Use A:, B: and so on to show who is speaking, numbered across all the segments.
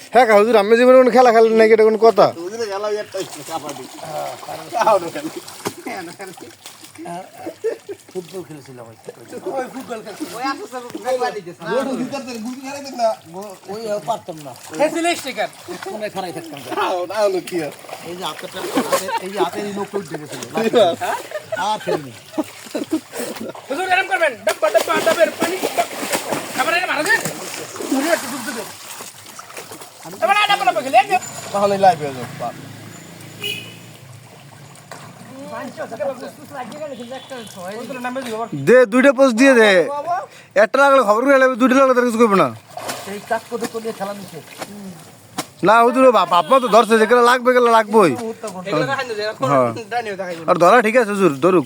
A: হ্যাঁ হুজুর আমি জীবনে কোনো খেলা খেলেন নাকি এটা কোনো কথা
B: ফুটবল খেলেছিলাম ওই পারতাম না খারাই থাকতাম এই যে হাতের এই যে হাতের নৌকো উঠে গেছিল আর খেলিনি
A: তাহলে লাইভ হয়ে যাবে দে দুইটা পোস্ট দিয়ে দে একটা লাগলে খবর করে লাগবে দুইটা লাগলে তার কিছু করবে না
B: সেই কাজ করতে করতে খেলা নিচ্ছে
A: না হুজুর বাপ মা তো ধরছে যেগুলো লাগবে গেলে লাগবেই আর ধরা ঠিক আছে হুজুর ধরুক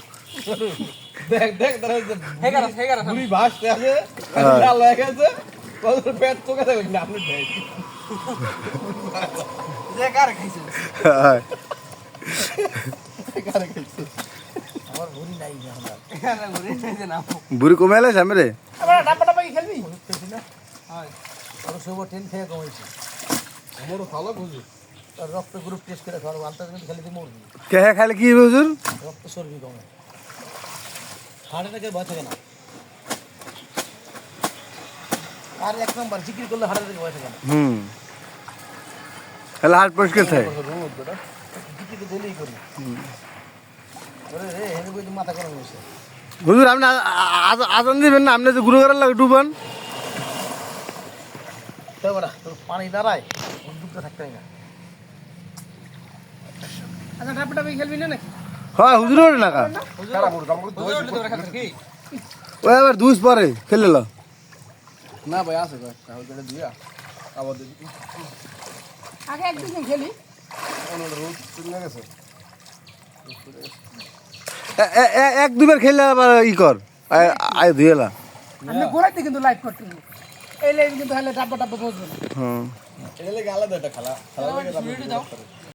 A: বুড়ি কমে এলে সামনে রে
B: রক্ত গ্রুপ টেস্ট করে খাওয়ার আন্তর্জাতিক খেলে দিয়ে মরবি
A: কে খাইলে কি হুজুর
B: রক্ত চর্বি কমে হার্ট অ্যাটাকের ভয় থাকে না আর এক নম্বর জিকির করলে হার্ট অ্যাটাকের ভয় থাকে না
A: তাহলে হার্ট পরিষ্কার থাকে
B: জিকির তো ডেলি করি রে হেনে বই মাথা গরম হয়েছে
A: হুজুর আপনি আজান দিবেন না আপনি যে গুরু করার লাগে ডুবান
B: তোর পানি দাঁড়ায় ডুবতে থাকতে না আচ্ছা ডাবটা খেলবি না নাকি
A: হ্যাঁ হুজুর ওরে না কা ওই আবার দুস পরে খেলে লো
C: না ভাই আছে তাহলে দিয়া আবার দেখি
D: আগে একদিন খেলি
C: রোদ চলে গেছে
A: এক দুবার খেললে আবার ই কর আয় ধুয়েলা
D: আপনি গোড়াইতে কিন্তু লাইভ করতে এই লাইভ কিন্তু হলে ডাব্বা বসবে না
A: হ্যাঁ
C: এটা লাগে আলাদা একটা খেলা খেলা লাগে